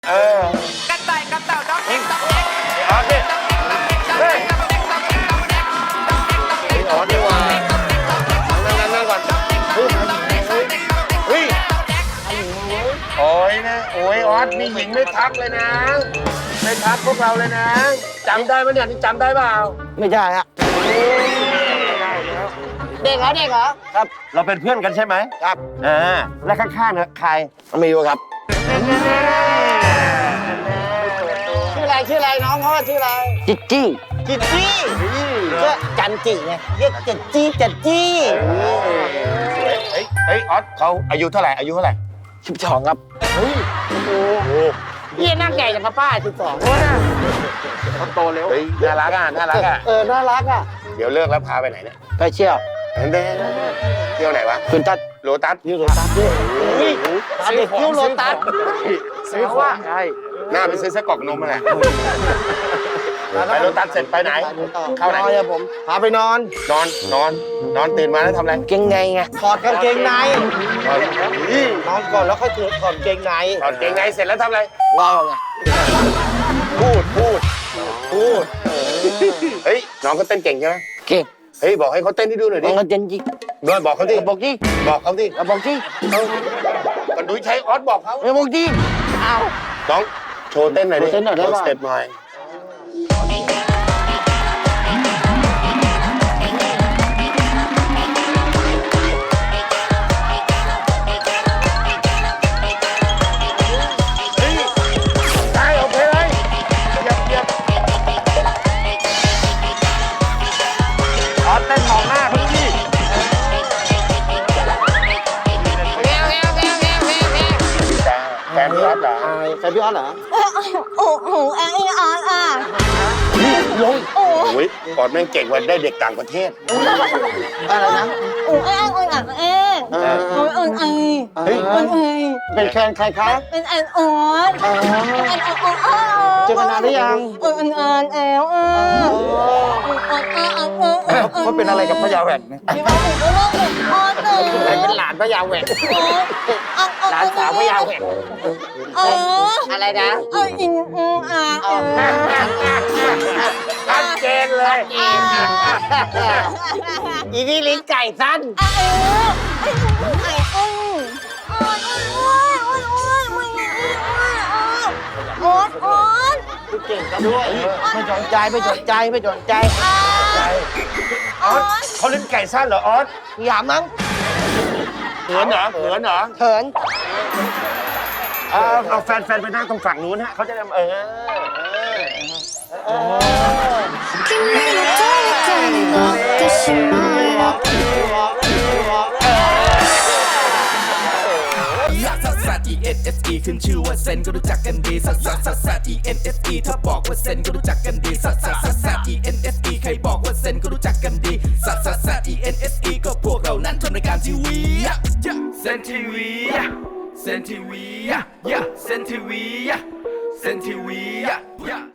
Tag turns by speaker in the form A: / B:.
A: กระต่ายกับเต่าน้องเอ็กซ์ต้องเอ็กซ์
B: ออสเนี่ยเฮ้ยออสดีกว่านั่งก่อนเฮ้ยโอ้ยนะโอ้ยออสมีหญิงไม่ทักเลยนะไม่ทักพวกเราเลยนะจำได้ไหมเนี่ยนี่จำได้เปล่า
C: ไม่ใช่ฮะเด็กเหรอครับ
B: เราเป็นเพื่อนกันใช่ไหม
C: ครับ
B: แล้วข้างๆเนี่ยใคร
C: ไม่รู้ครับชื่ออะไรน้องเขาชื่ออะไรจิจี้ชื่อจันจิไงเรียกจันจี้
B: เฮ้ยออสเขาอายุเท่าไหร่
C: 12ครับพี่นั่งใหญ่จังครับป้า12เขาโตเร็ว
B: เฮ้ยน่ารักอ่ะ
C: น่ารักอ่ะ
B: เดี๋ยวเลิกแล้วพาไปไหนเนี่ย
C: ไปเชี่ยว
B: เที่ยวไหนวะ
C: คุณตัด
B: โลตัส
C: เที่ยวโรตัสด้วยตาเด็กเที่ยวโรตัส
B: ซื้อของใช่หน้าไปซื้อไส้กรอกนมมาแหละไปโลตัสเสร็จไปไหนเข้าไหน
C: ผมพาไปนอน
B: นอนตื่นมาแล้วทำอะไร
C: เกงในไงถอดกางเกงในนอนก่อนแล้วค่อยถอดเกงใน
B: ถอดเกงในเสร็จแล้วทำอะไร
C: ว้าวไง
B: พูดเฮ้ยน้องเขาเต้นเก่งใช่ไหม
C: เก่ง
B: เฮ้ยบอกให้เขาเต้นให้ดูหน่อยดิ
C: เขาเต้นจริง
B: ด้วยบอกเขาดิ
C: บอกจริง
B: บอกเขาดิ
C: บอกจริง
B: กันดูใช้ออสบอกเขา
C: บอกจริงเอา
B: น้องโชว์เต้นหน่อยดิ
C: เต้นหน่อยได้ป่ะ
B: สเต็ปหน่อยได้โอเคเลยเหยียบออสเต้นมองหน้าพี่ แฟนพี่ออสเหรอ
C: แฟนพี่ออสเหรอ
D: โอ้โหแองอีอาร์อ่ะ
B: ลงโอ้ยออสแม่งเก่งกว่าได้เด็กต่างประเทศ
C: อะไรนะ
D: โอ้แองอ่อนเอ๊ะโอ้ยอ่อนไอ
B: เฮ้ย
D: อ่อนไอ
C: เป็นแฟนใครคะ
D: เป็นแอนออน
C: อ๋อ
D: แอนออน
C: เจอกันนานหรือยัง
D: อ่อนแอลอ่ะ
C: เขาเป็นอะไรกับพญาแหวนเนี่ย
D: พี่ว่าผมก็ว่าผมพอเลย
C: เป็นหลานพญาแหวนหลานสาวพญาแหวน อะไรนะ
D: อินอ่ะ
B: ชัดเจนเลย
C: อีนี่ลิ้นไก่สั้น
D: โอ๊ต
C: เก่งกันด้วยไม่สนใจ
B: ออสเขาเล่นไก่สั้นเหรอออส
C: อย่ามั้ง
B: เหมือนเหรอ
C: เขิน
B: เอาแฟนไปนั่งตรงฝั่งนู้นฮะเขาจะทำ
E: 君の虜になってしまえ
F: ลักซัสซัส E N S E ขึ้นชื่อว่าเซนก็รู้จักกันดีซัสซัสซัสซัส E N S E ถ้าบอกว่าเซนก็รู้จักกันดีซัสซัสซัสซัส E N S E ใครบอกว่าเซนก็รู้จักกันดีซัสซัสซัส E N S E ก็พวกเรานั้นทำรายการทีวีเซนทีวีเซนทีวีเซนทีวีเซนทีวี